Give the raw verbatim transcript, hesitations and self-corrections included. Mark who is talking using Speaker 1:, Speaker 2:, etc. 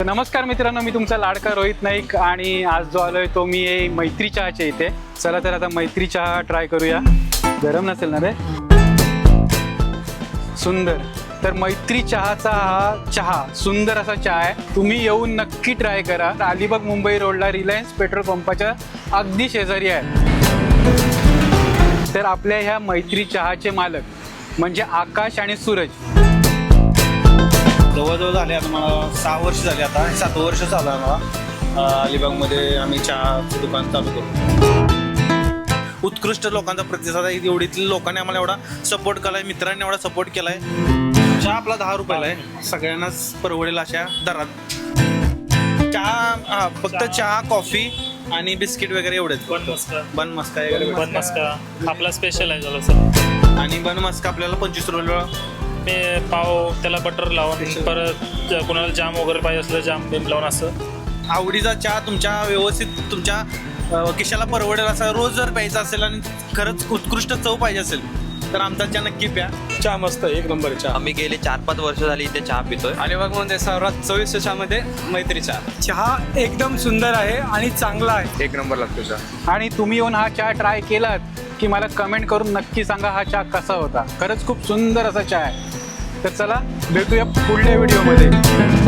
Speaker 1: नमस्कार मित्रांनो, मी तुमचा लाडका रोहित नाईक आणि आज जो आलोय तो मी आहे मैत्री चहाच्या इथे. चला तर आता मैत्री चहा ट्राय करूया. गरम नसेल ना रे? सुंदर. तर मैत्री चहाचा हा चहा सुंदर असा चहा आहे. तुम्ही येऊन नक्की ट्राय करा. अलिबाग मुंबई रोडला रिलायन्स पेट्रोल पंपाच्या अगदी शेजारी आहे. तर आपल्या ह्या मैत्री चहाचे मालक म्हणजे आकाश आणि सूरज.
Speaker 2: जवळजवळ झाले आता मला सहा वर्ष झाले. आता सात वर्ष झालं आम्हाला अलिबागमध्ये आम्ही चहाचं दुकान चालू करू. उत्कृष्ट लोकांचा प्रतिसाद आहे. एवढीतील लोकांनी आम्हाला एवढा सपोर्ट केला आहे, मित्रांनी एवढा सपोर्ट केला आहे. चहा आपला दहा रुपयाला आहे, सगळ्यांनाच परवडेल अशा दरात. चहा हा फक्त चहा, कॉफी आणि बिस्किट वगैरे एवढेच.
Speaker 3: बन मस्का
Speaker 2: बन मस्का वगैरे
Speaker 3: बन मस्का आपला स्पेशल आहे झालं सर.
Speaker 2: आणि बन मस्का आपल्याला पंचवीस रुपयाला.
Speaker 3: ते पाव त्याला बटर लावून, परत कोणाला जाम वगैरे पाहिजे असलं जाम बिम लावून असं
Speaker 2: आवडीचा चहा तुमच्या व्यवस्थित तुमच्या अ, खिशाला परवडेल असा रोज जर प्यायचा असेल आणि खरंच उत्कृष्ट चव पाहिजे असेल तर आमचा चहा नक्की प्या.
Speaker 4: चहा मस्त एक नंबर चहा.
Speaker 5: आम्ही गेले चार पाच वर्ष झाली इथे चहा पितोय.
Speaker 4: अलिबागमध्ये सर्वात चोवीस चहामध्ये मैत्री चहा.
Speaker 6: चहा एकदम सुंदर आहे आणि चांगला आहे.
Speaker 4: एक नंबर लागतो चहा.
Speaker 1: आणि तुम्ही येऊन हा चहा ट्राय केलात की मला कमेंट करून नक्की सांगा हा चहा कसा होता. खरंच खूप सुंदर असा चहा आहे. तर चला भेटूया पुढल्या व्हिडिओमध्ये.